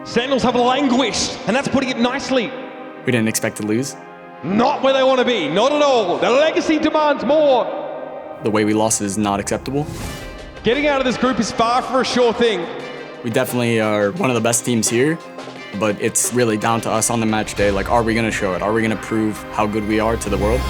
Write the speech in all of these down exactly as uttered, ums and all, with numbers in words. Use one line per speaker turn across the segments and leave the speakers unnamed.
Sentinels have languished, and that's putting it nicely.
We didn't expect to lose.
Not where they want to be, not at all. The legacy demands more.
The way we lost is not acceptable.
Getting out of this group is far from a sure thing.
We definitely are one of the best teams here, but it's really down to us on the match day. Like, are we going to show it? Are we going to prove how good we are to the world?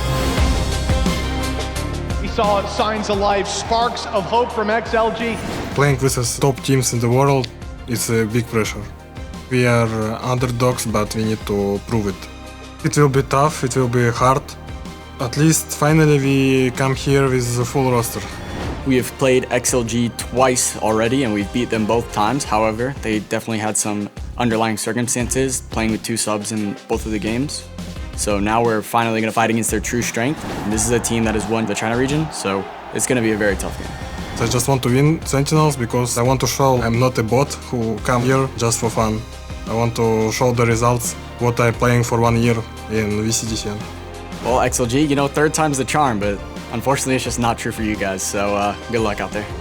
We saw signs of life, sparks of hope from X L G.
Playing with the top teams in the world is a big pressure. We are underdogs, but we need to prove it. It will be tough, it will be hard. At least finally we come here with the full roster.
We have played X L G twice already and we've beat them both times. However, they definitely had some underlying circumstances playing with two subs in both of the games. So now we're finally going to fight against their true strength. And this is a team that has won the China region, so it's going to be a very tough game.
I just want to win Sentinels because I want to show I'm not a bot who come here just for fun. I want to show the results, what I'm playing for one year in V C D C N.
Well, X L G, you know, third time's the charm, but unfortunately it's just not true for you guys, so uh, good luck out there.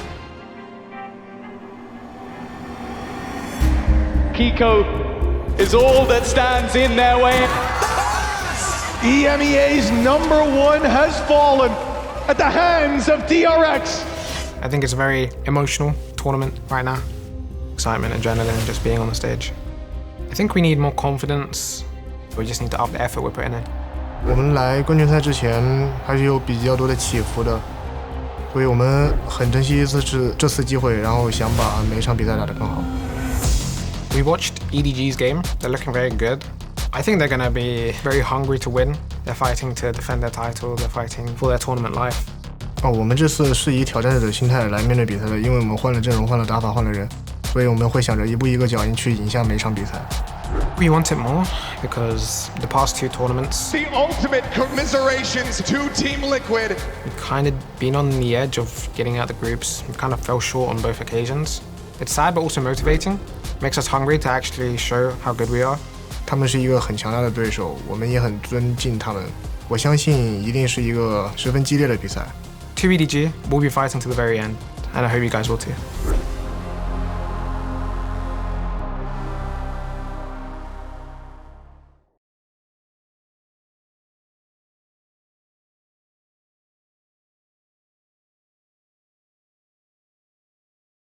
Kiko is all that stands in their way. E M E A's number one has fallen at the hands of D R X.
I think it's a very emotional tournament right now. Excitement, adrenaline, just being on the stage. I think we need more confidence. We just need to up the effort we're putting in.
我们来冠军赛之前还是有比较多的起伏的，所以我们很珍惜这次这次机会，然后想把每一场比赛打得更好。
We watched E D G's game. They're looking very good. I think they're going to be very hungry to win. They're fighting to defend their title. They're fighting for their tournament life.
哦，我们这次是以挑战者的心态来面对比赛的，因为我们换了阵容、换了打法、换了人，所以我们会想着一步一个脚印去赢下每一场比赛。
We want it more because the past two tournaments,
The ultimate commiserations to Team Liquid.
we've kind of been on the edge of getting out the groups. We kind of fell short on both occasions. It's sad but also motivating. Makes us hungry to actually show how good we are.
他们是一个很强大的对手，我们也很尊敬他们。我相信一定是一个十分激烈的比赛。
two E D G, we'll be fighting to the very end, and I hope you guys will too.